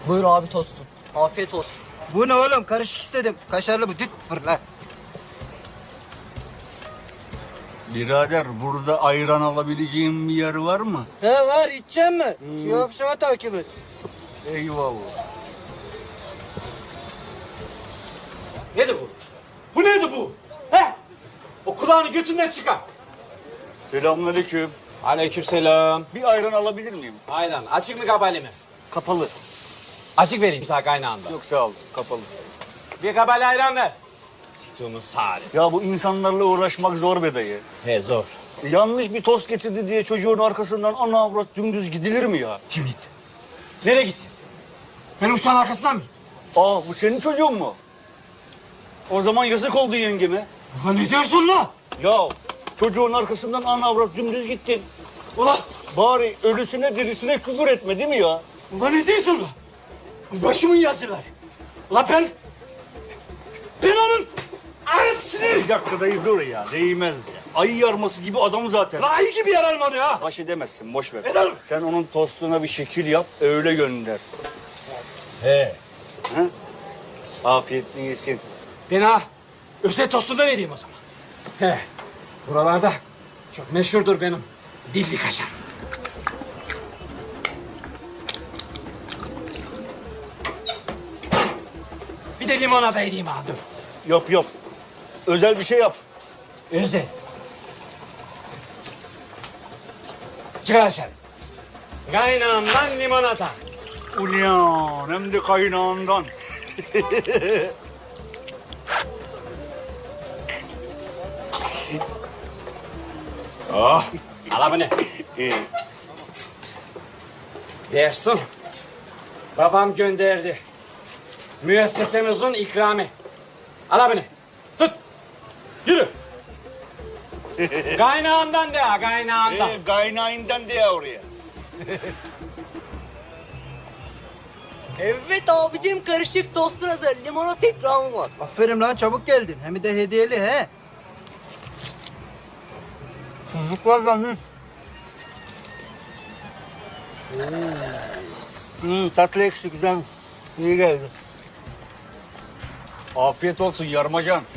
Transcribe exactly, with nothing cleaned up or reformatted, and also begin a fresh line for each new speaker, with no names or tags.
Buyur abi tostun. Afiyet olsun.
Bu ne oğlum? Karışık istedim. Kaşarlı bu. Düt fırla.
Birader burada ayran alabileceğim bir yer var mı?
He var, içecek mi? Şu yavşağı takip et.
Eyvallah.
Nedir bu? Bu neydi bu? He? O kulağını götünden çıkar.
Selamünaleyküm.
Aleykümselam.
Bir ayran alabilir miyim?
Aynen. Açık mı kapalı mı?
Kapalı.
Açık vereyim sana kaynağında.
Yok sağ ol, kapalı.
Bir kapalı ayran ver. Siktuğumun sari.
Ya bu insanlarla uğraşmak zor be dayı.
He zor.
Yanlış bir tost getirdi diye çocuğun arkasından ana avrat dümdüz gidilir mi ya?
Kim gitti? Nereye gitti? Benim uşağın arkasından mı gitti?
Aa bu senin çocuğun mu? O zaman yazık oldu yengeme.
Ulan ne diyorsun lan?
Ya çocuğun arkasından ana avrat dümdüz gittin.
Ulan,
Bari ölüsüne dirisine küfür etme değil mi ya?
ulan ne diyorsun lan? Başımın yazıları. Ulan ben... Ben onun arasını...
Bir dakika dayı dur ya, değmez ya. Ayı yarması gibi adam zaten.
Lan ayı gibi yararım onu ya.
Baş edemezsin, boş ver.
Ederim.
Sen onun tostuna bir şekil yap, öyle gönder.
He.
Ha? Afiyetli yesin.
Ben ha özel tostumda ne diyeyim o zaman? He. Buralarda çok meşhurdur benim dilli kaşar. Bir de limonata edeyim ha dur.
Yap yap. Özel bir şey yap.
Özel. Çıkar dışarı. Kaynağından limonata.
Ulan hem de kaynağından.
Oh. Al bunu.
İyi.
Versin. Babam gönderdi. Müessesemizin ikramı. Al bunu. Tut. Yürü. Kaynağından de ha, kaynağından.
Ee, kaynağından diye oraya.
Evet abicim karışık tostun hazır. Limonata ikramı var.
Aferin lan, çabuk geldin. Hem de hediyeli he. Tuzluk var lan. Hı. Hmm, tatlı ekşi güzelmiş. İyi geldi.
Afiyet olsun yarmacan.